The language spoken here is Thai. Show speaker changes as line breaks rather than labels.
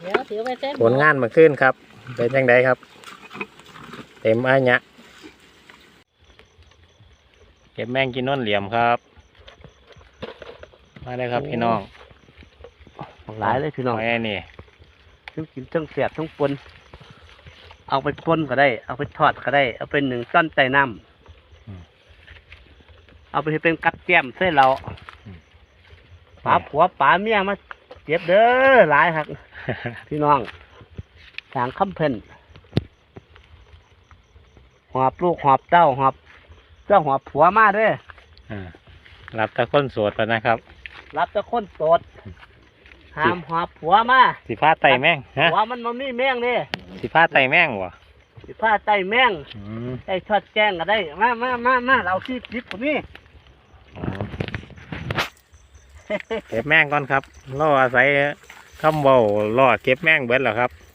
เดี๋ยวถือไปเส้น
ผลงานมาขึ้นครับเป็นยังไงครับ เต็มอันเนี้ยเก็บแมงกินนนเหลี่ยมครับมาเลยครับพี่น้อง
หลายเลยพี่น้อง
ไอ้นี่
ทั้งกินทั้งเสียบทั้งปนเอาไปปนก็ได้ เอาไปทอดก็ได้ เอาไปหนึ่งก้อนใส่น้ำเอาไปให้เป็นกัดแก้มเส้นเราป๋าผัวป๋าเมียมาเจ็บเด้อหลายครับ พี่น้องทางคำเพิ่นหอบลูกหอบเต้าหอบเจ้าหอบผัวมาเด้อ
รับตะก้นโสดไปนะครับ
รับแต่คนโสดห้ามหอบผัวมา
สีฟ้าไต่แมงฮะ
ผัวมันมันมีแมงเด้
สีฟ้าไต่แมงวะ
สิผ้าใจแมงไอ้ชอดแจ้งก็ได้มาเราที่จิบผมนี่
เก็บแมงก่อนครับล่ออาศัยคำเบาล่อเก็บแมงเบิดเหรอครับ